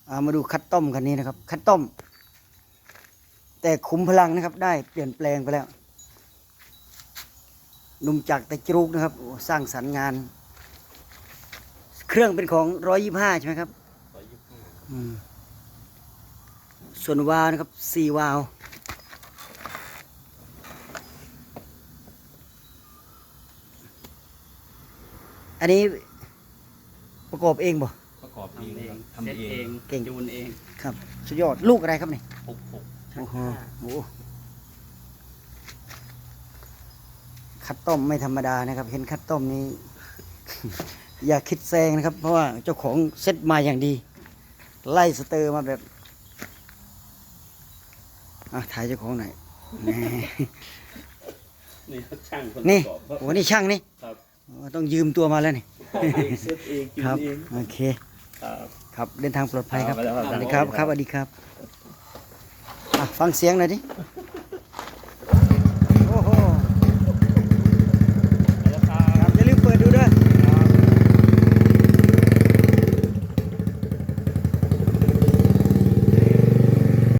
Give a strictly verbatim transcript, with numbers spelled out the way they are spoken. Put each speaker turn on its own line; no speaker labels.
ามาดูคัดต้มคันนี้นะครับ คัดต้ม แต่ขุมพลังนะครับ ได้เปลี่ยนแปลงไปแล้วหนุ่มจากตะจรุกนะครับสร้างสรรค์งาน เครื่องเป็นของร้อยยี่ห้าใช่ไหมครับร้อยยี่ห้าส่วนวาล์วนะครับสี่วาล์วอันนี้ประกอบเองบ่
ประกอบเองทำ
เซ็ต
เอ
เอง ง
เก่ง
จูนเอง
ครับสุดยอดลูกอะไรครับนี่
หกหก
โอ้โหโอ้คัดต้มไม่ธรรมดานะครับ เห็นคัดต้มนี้ อย่าคิดแซงนะครับ เพราะว่าเจ้าของเซ็ตมาอย่างดี ไล่สเตอร์มาแบบอ่ะถ่ายเจ้าของหน่อยนี่
นี่ช่างคน
นี่
ประกอบครับ
โอ้นี่ช่างนี่
ครับ
โอ้ต้องยืมตัวมาแล้วนี่
เซ็ตเองจู
คน รับ
เอง
โอเค
ครับ
ครับเดินทางปลอดภัยครับ
ครับ
สวัสดีครับครับสวัสดีครับอ่ะฟังเสียงหน่อยดิ